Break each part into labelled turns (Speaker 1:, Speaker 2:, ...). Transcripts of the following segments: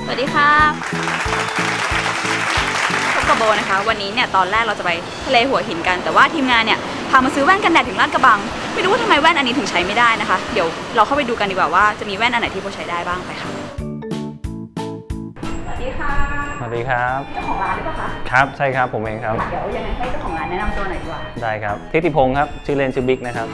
Speaker 1: สวัสดีค่ะพบกับโบนะคะวันนี้เนี่ยตอนแรกเราจะไปทะเลหัวหินกันแต่ว่าทีมงานเนี่ยพามาซื้อแว่นกันแดดถึงลาดกระบังไม่รู้ว่าทำไมแว่นอันนี้ถึงใช้ไม่ได้นะคะเดี๋ยวเราเข้าไปดูกันดีกว่าว่าจะมีแว่นอันไหนที่โบใช้ได้บ้างไปค่ะสวัสดีค่ะ
Speaker 2: สวัสดีครับ
Speaker 1: เจ้าของร้านหรือเปล่าคะ
Speaker 2: ครับใช่ครับผมเองครับ
Speaker 1: เดี๋ยวยังไงให้เจ้าของร้านแนะนำตัวหน่อยดีกว่า
Speaker 2: ได้ครับทิติพงศ์ครับชื่อเล่นชื่อบิ๊กนะครับ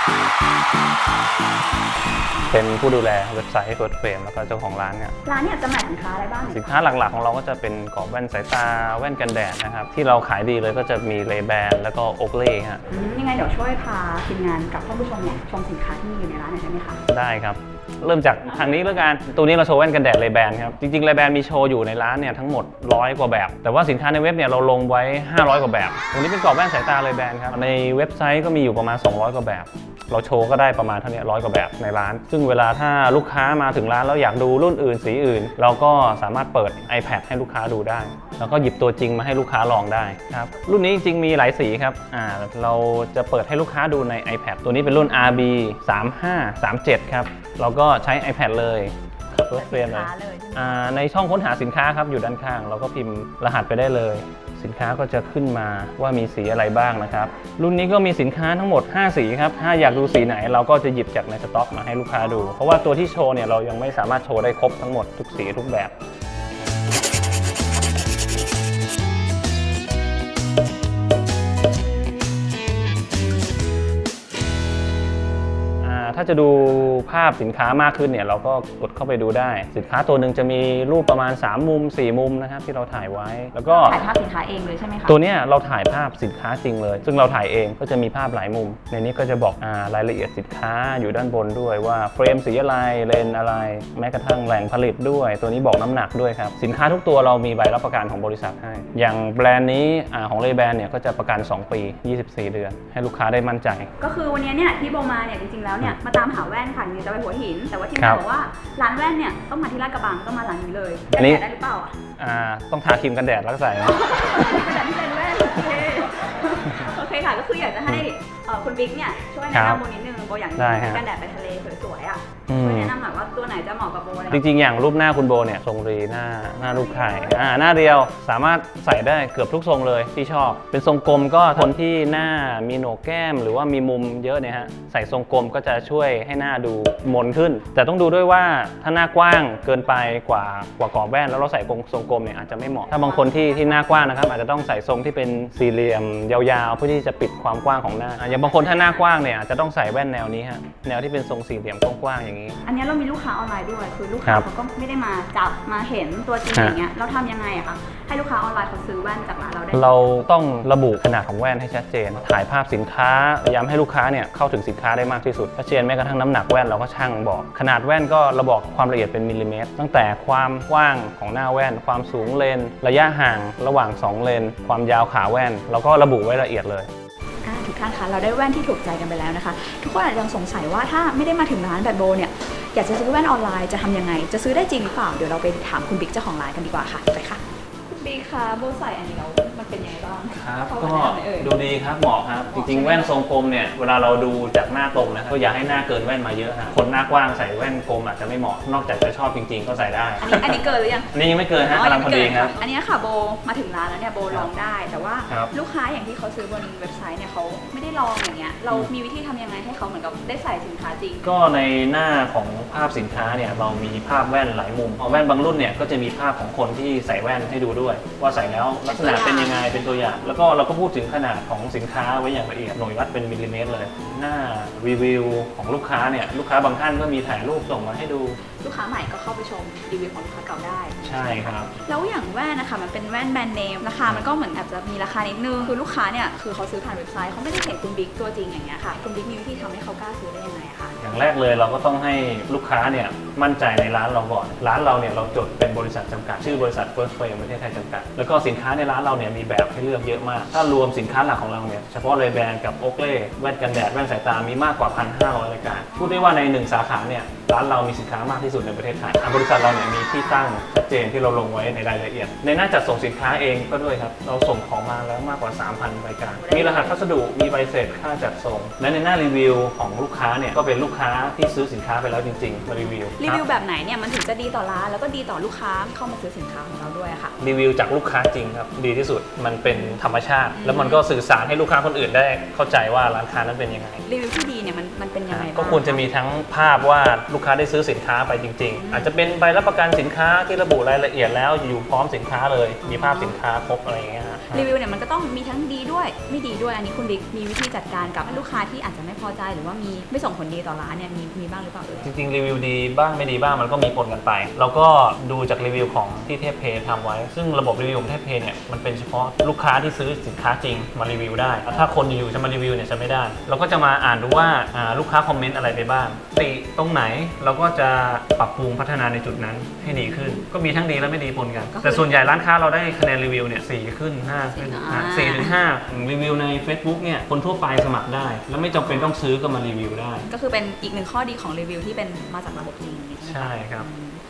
Speaker 2: เป็นผู้ดูแลเว็บไซต์ First Frame แล้วก็เจ้าของร้านเนี่ย
Speaker 1: ร้านเนี่ยจำหน่ายสินค้าอะไรบ้าง
Speaker 2: สินค้าหลักๆของเราก็จะเป็นกรอบแว่นสายตาแว่นกันแดดนะครับที่เราขายดีเลยก็จะมีเลแบนแล้วก็โอเล่ฮะ
Speaker 1: ยังไงเดี๋ยวช่วยพาทีมงานกับท่านผู้ชมเนี่ยชมสินค้าที่มีอยู่ในร้านหน่อยได้ไหมคะ
Speaker 2: ได้ครับเริ่มจากทางนี้แล้วกันตัวนี้เราโชว์แว่นกันแดดเลแบนครับจริงๆเลแบนมีโชว์อยู่ในร้านเนี่ยทั้งหมด100 กว่าแบบแต่ว่าสินค้าในเว็บเนี่ยเราลงไว้500 กว่าแบบตรงนี้เป็นกรอบแว่นสายตาเลแบนครับในเว็บไซต์ก็มีอยู่ประมาณ200 กว่าแบบเราโชว์ก็ได้ประมาณเท่านี้100 กว่าแบบในร้านซึ่งเวลาถ้าลูกค้ามาถึงร้านแล้วอยากดูรุ่นอื่นสีอื่นเราก็สามารถเปิด iPad ให้ลูกค้าดูได้แล้วก็หยิบตัวจริงมาให้ลูกค้าลองได้ครับรุ่นนี้จริงๆมีหลายสีครับเราจะเปิดให้ลูกค้าดูใน iPad ตัวนี้เป็นรุ่น RB 3537ครับเราก็ใช้ iPad เลยเปิดเฟรมเลยในช่องค้นหาสินค้าครับอยู่ด้านข้างเราก็พิมพ์รหัสไปได้เลยสินค้าก็จะขึ้นมาว่ามีสีอะไรบ้างนะครับรุ่นนี้ก็มีสินค้าทั้งหมด5สีครับถ้าอยากดูสีไหนเราก็จะหยิบจากในสต็อกมาให้ลูกค้าดูเพราะว่าตัวที่โชว์เนี่ยเรายังไม่สามารถโชว์ได้ครบทั้งหมดทุกสีทุกแบบถ้าจะดูภาพสินค้ามากขึ้นเนี่ยเราก็กดเข้าไปดูได้สินค้าตัวหนึ่งจะมีรูปประมาณ3 มุม 4 มุมนะครับที่เราถ่ายไว้แล้วก็
Speaker 1: ถ่ายภาพสินค้าเองเลยใช่ไหมคะ
Speaker 2: ตัวนี้เราถ่ายภาพสินค้าจริงเลยซึ่งเราถ่ายเองก็จะมีภาพหลายมุมในนี้ก็จะบอกรายละเอียดสินค้าอยู่ด้านบนด้วยว่าเฟรมสีอะไรเลนอะไรแม้กระทั่งแหล่งผลิตด้วยตัวนี้บอกน้ำหนักด้วยครับสินค้าทุกตัวเรามีใบรับประกันของบริษัทให้อย่างแบรนด์นี้ของเลแบนเนี่ยก็จะประกัน2 ปี24 เดือนให้ลูกค้าได้มั่นใจ
Speaker 1: ก็คือวันนี้เนี่ยที่โบมาเนี่ยจริงๆแล้วเนี่ยมาตามหาแว่นค่ะนี่จะไปหัวหินแต่ว่าทีมงานบอกว่าร้านแว่นเนี่ยต้องมาที่ลาดกระบังต้องมาร้านนี้เลยกันแดดได้หรือเปล่า
Speaker 2: ต้องทาครีมกันแดดแล้วก็ใส่นะ
Speaker 1: กันแดดที่เป็นแว่นโอเคค่ะก็คืออยากจะให้คุณบิ๊กเนี่ยช่วยแนะนำโบนิดนึงโบอยากกันแดดไปทะเลสวยๆอ่ะช่วยแนะนำหน่อยว่าตัวไหนจะเหมาะกับโบ
Speaker 2: จริงๆอย่างรูปหน้าคุณโบเนี่ยทรงรีหน้ารูปไข่หน้าเดียวสามารถใส่ได้เกือบทุกทรงเลยที่ชอบเป็นทรงกลมก็คนที่หน้ามีโหนกแก้มหรือว่ามีมุมเยอะเนี่ยฮะใส่ทรงกลมก็จะช่วยให้หน้าดูมนขึ้นแต่ต้องดูด้วยว่าถ้าหน้ากว้างเกินไปกว่ากรอบแว่นแล้วเราใส่ทรงกลมเนี่ยอาจจะไม่เหมาะถ้าบางคนที่หน้ากว้างนะครับอาจจะต้องใส่ทรงที่เป็นสี่เหลี่ยมยาวๆเพื่อที่จะปิดความกว้างของหน้าอย่างบางคนถ้าหน้ากว้างเนี่ยอาจจะต้องใส่แว่นแนวนี้ฮะแนวที่เป็นทรงสี่เหลี่ยมกว้างๆอย่างนี้
Speaker 1: อันนี้เรามีลูกค้าออนไลน์ด้วยคือลูกค้าเขาก็ไม่ได้มาจับมาเห็นตัวจริงอย่างเงี้ยเราทำยังไงอะคะให้ลูกค้าออนไลน์เขาซื้อแว่นจากร้านเราได้
Speaker 2: เราต้องระบุขนาดของแว่นให้ชัดเจนถ่ายภาพสินค้าย้ำให้ลูกค้าเนี่ยเข้าถึงสินค้าได้มากที่สุดชัดเจนแม้กระทั่งน้ำหนักแว่นเราก็ชั่งบอกขนาดแว่นก็เราบอกความละเอียดเป็นมิลลิเมตรตั้งแต่ความกว้างของหน้าแว่นความสูงเลนระยะห่างระหว่าง2เลนความยาวขาแว่นเราก็ระบุไว้ละเอียดเลย
Speaker 1: ทุกท่านคะเราได้แว่นที่ถูกใจกันไปแล้วนะคะทุกคนอาจจะยังสงสัยว่าถ้าไม่ได้มาถึงร้านแบบโบเนี่ยอยากจะซื้อแว่นออนไลน์จะทำยังไงจะซื้อได้จริงหรือเปล่าเดี๋ยวเราไปถามคุณบิ๊กเจ้าของร้านกันดีกว่าค่ะไปค่ะคุณบิ๊กคะโบใส่อันนี้แล้วมันเป็นยังไงบ้าง
Speaker 2: ครับก็ดูดีครับเหมาะครับจริงๆแว่นทรงกลมเนี่ยเวลาเราดูจากหน้าตรงนะก็อย่าให้หน้าเกินแว่นมาเยอะฮะคนหน้ากว้างใส่แว่นกลมอาจจะไม่เหมาะนอกจากจะชอบจริงๆก็ใส่ได้
Speaker 1: อันนี้เกินหรือยัง
Speaker 2: นี่ยังไม่เกินฮะกำลังพอดีครับ
Speaker 1: อันนี้ค่ะโบมาถึงร้านแล้วเนี่ยโบลองได้แต่ว่าลูกค้าอย่างที่เขาซื้อบนเว็บไซต์เนี่ยเขาไม่ได้ลองอย่างเงี้ยเรามีวิธีทำยังไงให้เขาเหมือนกับได้ใส่สินค้าจริง
Speaker 2: ก็ในหน้าของภาพสินค้าเนี่ยเรามีภาพแว่นหลายมุมแว่นบางรุ่นเนี่ยก็จะมีภาพของคนที่ใส่แว่นให้ดูด้วยว่าใส่แล้วลักษณะเป็นยังไงเป็นตัวอย่างแล้วก็เราก็พูดถึงขนาดของสินค้าไว้อย่างละเอียดหน่วยวัดเป็นมิลลิเมตรเลยหน้ารีวิวของลูกค้าเนี่ยลูกค้าบางท่านก็มีถ่ายรูปส่งมาให้ดู
Speaker 1: ลูกค้าใหม่ก็เข้าไปชมรีวิวของลูกค้าเก่าได้
Speaker 2: ใช่ครับ
Speaker 1: แล้วอย่างแว่นนะคะมันเป็นแว่นแบรนด์เนมราคามันก็เหมือนอาจจะมีราคานิดนึงคือลูกค้าเนี่ยคือเขาซื้อผ่านเว็บไซต์เขาไม่ได้เห็นคุณบิ๊กตัวจริงอย่างเงี้ยค่ะคุณบิ๊กมีวิธีทำให้เขากล้าซื้อได้ยังไงคะ
Speaker 2: อย่างแรกเลยเราก็ต้องให้ลูกค้าเนี่ยมั่นใจในร้านเราก่อนร้านเราเนี่ยเราจดเป็นบริษัทจำกัดชื่อบริษัท First Frame ประเทศไทยจำกัดแล้วก็สินค้าในร้านเราเนี่ยมีแบบให้เลือกเยอะมากถ้ารวมสินค้าหลักของเราเนี่ยเฉพาะเลแบนกับโอเล่แว่นกันแดดแว่นสายตามีมากกว่า 1,500 รายการพูดได้ว่าใน1 สาขาเนี่ยร้านเรามีสินค้ามากที่สุดในประเทศไทยบริษัทเราเนี่ยมีที่ตั้งชัดเจนที่เราลงไว้ในรายละเอียดในหน้าจัดส่งสินค้าเองก็ด้วยครับเราส่งของมาแล้วมากกว่า 3,000 รายการมีรหัสพัสดุมีใบเสร็จค่าจัดส่งและในหน้ารีวิวของลูกค้าเนี่ยก็เป็นลูกค้าที่ซื้อสินค้าไปแล้วจริงๆมารีวิว
Speaker 1: แบบไหนเนี่ยมันถึงจะดีต่อร้านแล้วก็ดีต่อลูกค้าที่เข้ามาซื้อสินค้าของเราด้วยค่ะ
Speaker 2: รีวิวจากลูกค้าจริงครับดีที่สุดมันเป็นธรรมชาติแล้วมันก็สื่อสารให้ลูกค้าคนอื่นได้เข้าใจว่าร้านค้านั้นเป็นยังไง
Speaker 1: รีวิวที่ดีเนี่ยมันเป็นยังไง
Speaker 2: ก็ควรจะมีทั้งภาพว่าลูกค้าได้ซื้อสินค้าไปจริงๆอาจจะเป็นใบรับประกันสินค้าที่ระบุรายละเอียดแล้วอยู่พร้อมสินค้าเลยมีภาพสินค้าครบอะไรอย่างเงี้ย
Speaker 1: รีวิวเนี่ยมันก็ต้องมีทั้งดีด้วยไม่ดีด้วยอันนี้คุณบิ๊กมีวิธีจัดการกับลูกค้าที่อาจจะไม่พอใจหรือว่ามีไม่ส่งผลดีต่อร้านเนี่ยมีบ้างหรือเปล่า
Speaker 2: จริงๆรีวิวดีบ้างไม่ดีบ้างมันก็มีปนกันไปเราก็ดูจากรีวิวของที่เทพเพย์ทำไว้ซึ่งระบบรีวิวของเทพเพย์เนี่ยมันเป็นเฉพาะลูกค้าที่ซื้อสินค้าจริงมารีวิวได้ถ้าคนอยู่จะมารีวิวเนี่ยจะไม่ได้เราก็จะมาอ่านดูว่าลูกค้าคอมเมนต์อะไรไปบ้างติตรงไหนเราก็จะปรับปรุงพัฒนาในจุดนั้นให้ดีขึ้นก็มีทั้งดีและไม่ดีปนกันแต่ส่วนใหญ่ร้านค้าเราได้คะแนนรีวิวเนี่ย4ขึ้น5ขึ้น4 ถึง 5รีวิวใน Facebook เนี่ยคนทั่วไปสมัครได้แล้วไม่จำเป็นต้องซื้อก็มารีวิวได้
Speaker 1: ก็คือเป็นอีกหนึ่งข้อดีของรีวิวที่เป็นมาจากระบบจริง
Speaker 2: ใช่ครับ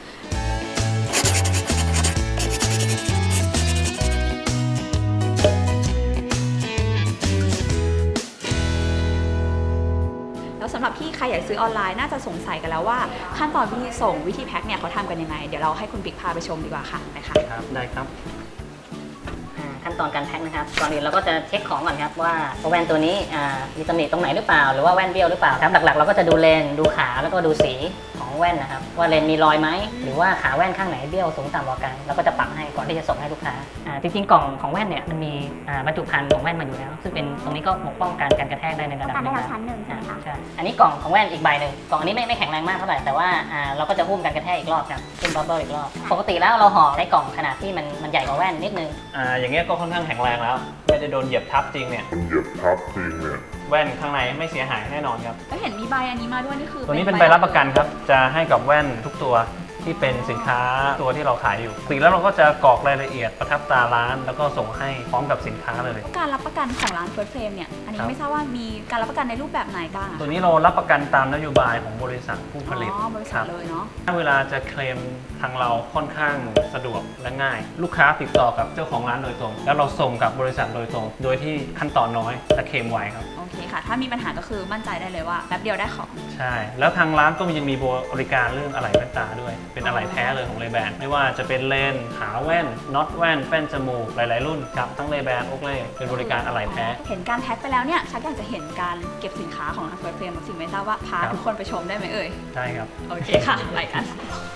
Speaker 1: แล้วสำหรับที่ใครอยากซื้อออนไลน์น่าจะสงสัยกันแล้วว่าขั้นตอนวิธีส่งวิธีแพ็คเนี่ยเขาทำกันยังไงเดี๋ยวเราให้คุณบิ๊กพาไปชมดีกว่าค่ะไปค่ะ
Speaker 2: ครับได้ครับ
Speaker 3: ขั้นตอนการแพ็คนะครับก่อนอื่นเราก็จะเช็คของก่อนครับว่าแว่นตัวนี้มีตำหนิตรงไหนหรือเปล่าหรือว่าแว่นเบี้ยวหรือเปล่าครับหลักๆเราก็จะดูเลนดูขาแล้วก็ดูสีของแว่นนะครับว่าเลนมีรอยไหมหรือว่าขาแว่นข้างไหนเบี้ยวสูงต่ำกว่ากันแล้วก็จะปรับให้ก่อนที่จะส่งให้ลูกค้าจริงๆกล่องของแว่นเนี่ยมันมีบรรจุภัณฑ์ของแว่นมาอยู่แล้วซึ่งเป็นตรงนี้ก็ปกป้องการกระแทกได้ในระดับหนึ่ง
Speaker 4: ชั้นหนึ่งใช่ไหมคะ
Speaker 3: ใช่อันนี้กล่องของแว่นอีกใบหนึ่งกล่องอันนี้ไม่แข็งแรงมากเท่าไหร่แต่ว่าเราก็จะหุ้มการกระแทกอีกรอบครับขึ้นบับเบิ้ลอีกรอบปกติแล้วเราห่อในกล่องขนาดที่มันใหญ่กว่าแว่นนิดนึง
Speaker 2: อย่างเงี้ยก็ค่อนข้างแข็งแรงแล้วไม่ได้โดนเหยียบทับจริงเนี่ยแว่นข้างในไม่เสียหายแน่นอนครับ
Speaker 1: ก็เห็นมีใบอันนี้มาด้วยนี่คือ
Speaker 2: ตัวนี้เป็นใบรับประกันครับจะให้กับแว่นทุกตัวที่เป็นสินค้าตัวที่เราขายอยู่แล้วเราก็จะกรอกรายละเอียดประทับตาร้านแล้วก็ส่งให้พร้อมกับสินค้าเลย
Speaker 1: การรับประกันของร้าน First Frame เนี่ยอันนี้ไม่ทราบว่ามีการรับประกันในรูปแบบไหนบ้าง
Speaker 2: ตัวนี้เรารับประกันตามนโยบายของบริษัทผู้ผลิต
Speaker 1: บริษัทเลยเนาะ
Speaker 2: ถ้าเวลาจะเคลมทางเราค่อนข้างสะดวกและง่ายลูกค้าติดต่อกับเจ้าของร้านโดยตรงแล้วเราส่งกับบริษัทโดยตรงโดยที่ขั้นตอนน้อยและเคลมไวครับ
Speaker 1: โอเคค่ะถ้ามีปัญหาก็คือมั่นใจได้เลยว่าแป๊บเดียวได้ของ
Speaker 2: ใช่แล้วทางร้านก็ยังมีบริการเรื่องอะไหล่แว่นตาด้วยเป็นอะไหล่แท้เลยของRay-Banไม่ว่าจะเป็นเลนส์ขาแว่นน็อตแว่นแป้นจมูกหลายๆรุ่นครับทั้งRay-Ban Oakleyเป็นบริการอะไหล่แท้
Speaker 1: เห็นการแพ็คไปแล้วเนี่ยชักอยากจะเห็นการเก็บสินค้าของทาง First Frame สิ่งไม่ทราบว่าพาทุกคนไปชมได้ไหมเอ่ย
Speaker 2: ได้ครับ
Speaker 1: โอเคค่ะไปกัน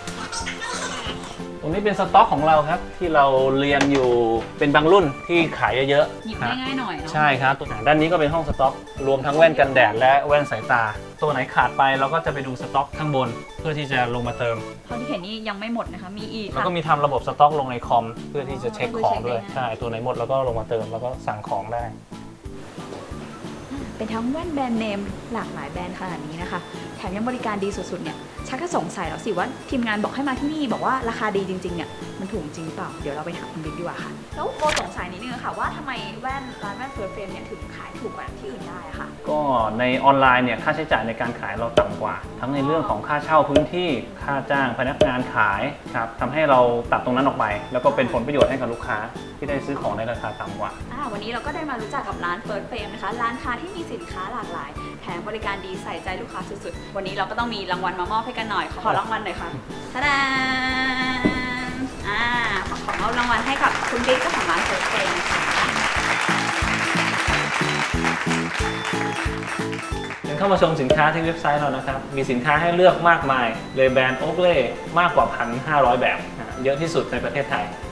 Speaker 2: ตรงนี้เป็นสต็อกของเราครับที่เราเรียงอยู่เป็นบางรุ่นที่ขายเยอะ
Speaker 1: ๆหยิบง่ายๆหน่อยเนาะ
Speaker 2: ใช่ครับด้านนี้ก็เป็นห้องสต็อกรวมทั้งแว่นกันแดดและแว่นสายตาตัวไหนขาดไปเราก็จะไปดูสต็อกข้างบนเพื่อที่จะลงมาเติม
Speaker 1: เท่าที่เห็นนี่ยังไม่หมดนะคะมีอีก
Speaker 2: แล้วก็มีทำระบบสต็อกลงในคอมเพื่อที่จะเช็คของด้วยใช่ตัวไหนหมดแล้วก็ลงมาเติมแล้วก็สั่งของได้
Speaker 1: เป็นทั้งแว่นแบรนด์เนมหลากหลายแบรนด์ขนาดนี้นะคะแถมยังบริการดีสุดๆเนี่ยชักจะสงสัยแล้วสิว่าทีมงานบอกให้มาที่นี่บอกว่าราคาดีจริงๆเนี่ยมันถูกจริงเปล่าเดี๋ยวเราไปถามคุณบิ๊กดีกว่าค่ะแล้วโบสงสัยนิดนึงค่ะว่าทำไมแว่นร้านแว่น First Frame เนี่ยถึงขายถูกกว่าที่อื่นได้ค่ะ
Speaker 2: ก็ในออนไลน์เนี่ยค่าใช้จ่ายในการขายเราต่ำกว่าทั้งในเรื่องของค่าเช่าพื้นที่ค่าจ้างพนักงานขายครับทำให้เราตัดตรงนั้นออกไปแล้วก็เป็นผลประโยชน์ให้กับลูกค้าที่ได้ซื้อของในราคาต่ำกว่า
Speaker 1: วันนี้เราก็ได้มารู้จักกับร้าน First Frame นะคะร้านค้าที่มีสินค้าหลากหลายแถมบริการดีใส่ใจลูกค้าสุดๆวันนี้เราก็ต้องมีรางวัลมามอบให้กันหน่อยขอรางวัลหน่อยค่ะทะดานขอมอบรางวัลให้กับคุณบิ๊กเจ้าของร้าน First Frame นะคะ
Speaker 2: เข้ามาชมสินค้าที่เว็บไซต์เรานะครับมีสินค้าให้เลือกมากมายRay-Ban Oakleyมากกว่า 1,500 แบบเยอะที่สุดในประเทศไทย